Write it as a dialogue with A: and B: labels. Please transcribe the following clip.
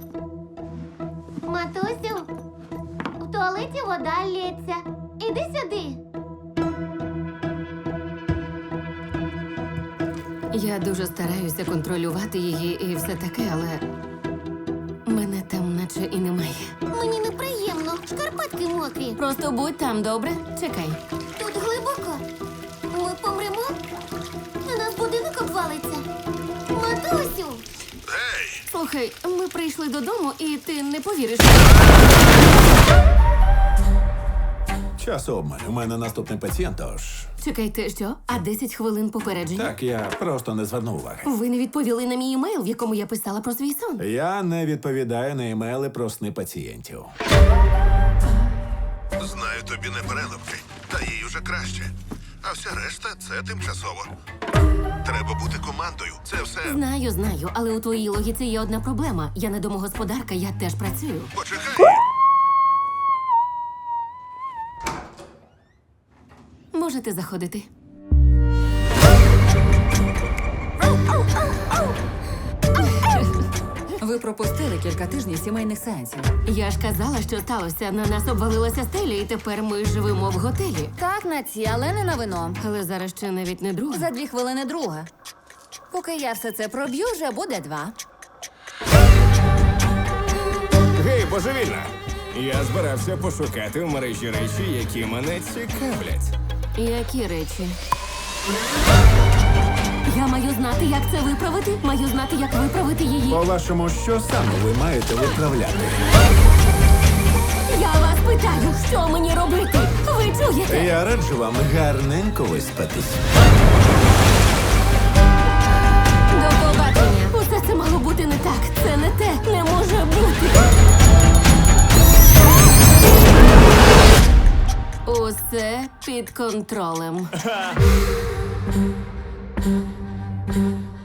A: Матусю, в туалеті вода лється. Іди сюди.
B: Я дуже стараюся контролювати її і все таке, але мене там наче і немає.
A: Мені неприємно. Шкарпетки мокрі.
B: Просто будь там, добре? Чекай.
A: Тут глибоко. Ми помремо? На нас будинок обвалиться. Матусю!
B: Слухай, ми прийшли додому, і ти не повіриш.
C: Час обмаль. У мене наступний пацієнт, тож...
B: Чекайте, що? А 10 хвилин попередження?
C: Так, я просто не звернув уваги.
B: Ви не відповіли на мій емейл, в якому я писала про свій сон.
C: Я не відповідаю на емейли про сни пацієнтів.
D: Знаю, тобі не переливки, та їй уже краще. А вся решта це тимчасово. Треба бути командою. Це все.
B: Знаю, але у твоїй логіці є одна проблема. Я не домогосподарка, я теж працюю.
D: Почекай.
B: Можете заходити.
E: Ви пропустили кілька тижнів сімейних сеансів.
B: Я ж казала, що сталося. На нас обвалилася стеля, і тепер ми живемо в готелі.
E: Так, на ці, але не на вино.
B: Але зараз ще навіть не друга.
E: За 2 хвилини друга. Поки я все це проб'ю, вже буде 2.
F: Гей, божевільна! Я збирався пошукати в мережі речі, які мене цікавлять.
B: Які речі? Я маю знати, як це виправити. Маю знати, як виправити її.
C: По-вашому, що саме ви маєте виправляти?
B: Я вас питаю, що мені робити? Ви чуєте?
C: Я раджу вам гарненько виспатись.
B: До побачення. Усе це мало бути не так. Це не те. Не може бути. Усе під контролем.